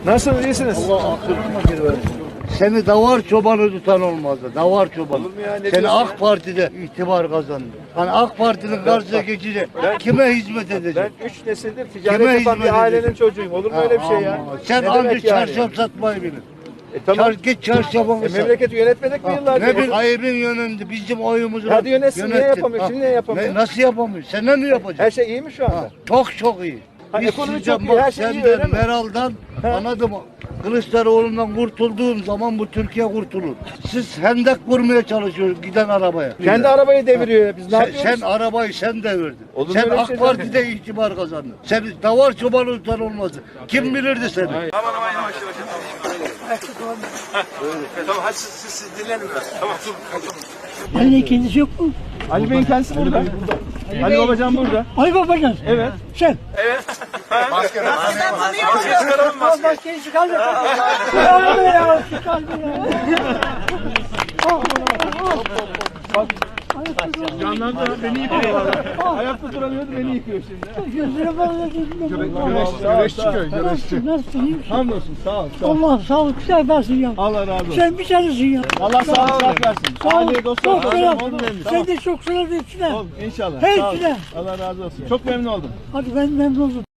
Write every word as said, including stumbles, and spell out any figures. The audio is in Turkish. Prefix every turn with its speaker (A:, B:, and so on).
A: Nasılsınız, iyisiniz?
B: Allah akıl versin. Seni davar çobanı tutan olmazdı. Davar çobanı.
A: Olur mu ya, ne
B: Seni
A: diyorsun
B: AK Parti'de itibar kazandı. Hani AK Parti'nin karşısına geçecek. Kime hizmet edecek?
A: Ben üç nesildir ticaret
B: Kime
A: yapan
B: hizmet
A: bir ailenin
B: edecek?
A: çocuğuyum. Olur mu öyle bir şey ya?
B: Ama Sen
A: Ne
B: ancak
A: demek yani?
B: çarşaf satmayı bilin.
A: E, tamam.
B: Çar, git çarşafını
A: E,
B: sat.
A: memleketi yönetmedik mi yıllarca?
B: Ne bir ayıbın yönünde bizim oyumuzu
A: Hadi yönetsin, niye yapamıyor? Şimdi niye yapamıyor?
B: Ne, nasıl yapamıyor? Sen ne yapacaksın?
A: Her şey iyi mi şu anda?
B: Ha, çok çok iyi.
A: Ha,
B: Biz
A: ekonomi
B: sizden
A: çok iyi,
B: bak,
A: her şey iyi,
B: senden,
A: öyle mi?
B: Meral'dan, anladım. Kılıçdaroğlu'ndan kurtulduğum zaman bu Türkiye kurtulur. Siz hendek vurmaya çalışıyorsunuz giden arabaya.
A: Kendi arabayı deviriyor ya. Biz ne
B: sen,
A: yapıyoruz?
B: sen arabayı sen devirdin.
A: Olur mu
B: Sen
A: öyle
B: AK
A: şey?
B: Parti'de itibar kazandın. Sen davar çobanı tutan olmazdı. Kim bilirdi seni?
C: Aman aman yavaş yavaş. Tamam hadi siz, siz, siz dinlenin biraz. Tamam tamam.
D: Ali kendisi yok mu?
A: Ali Bey'in kendisi burada. Ali Babacan burada.
D: Ali Babacan.
A: Evet.
D: Sen.
C: Evet. Maske maske. Maske çıkaralım
D: Al
C: maske.
D: maskeyi çıkar da. Çıkar ya. Çıkar ya. Al, al.
A: Canlandı beni yıkıyor. Ayakta duramıyordu beni yıkıyor şimdi.
D: Gözüne bağlı.
A: Güreş çıkıyor.
D: Nasılsın? Nasılsın? İyi misin?
A: Hamdolsun sağ ol. Sağ ol.
D: Allah sağlık seversin ya.
A: Allah razı olsun.
D: Sen bir tanesin ya.
A: Allah sağlık sıhhat versin.
D: Sağ ol.
A: Aile dostlar.
D: Çok
A: razı
D: selam.
A: olsun. Memnun.
D: Sen de çok selam hepsine.
A: Oğlum, İnşallah.
D: Hepsine.
A: Sağ ol. Allah razı olsun. Çok memnun oldum.
D: Hadi ben memnun oldum.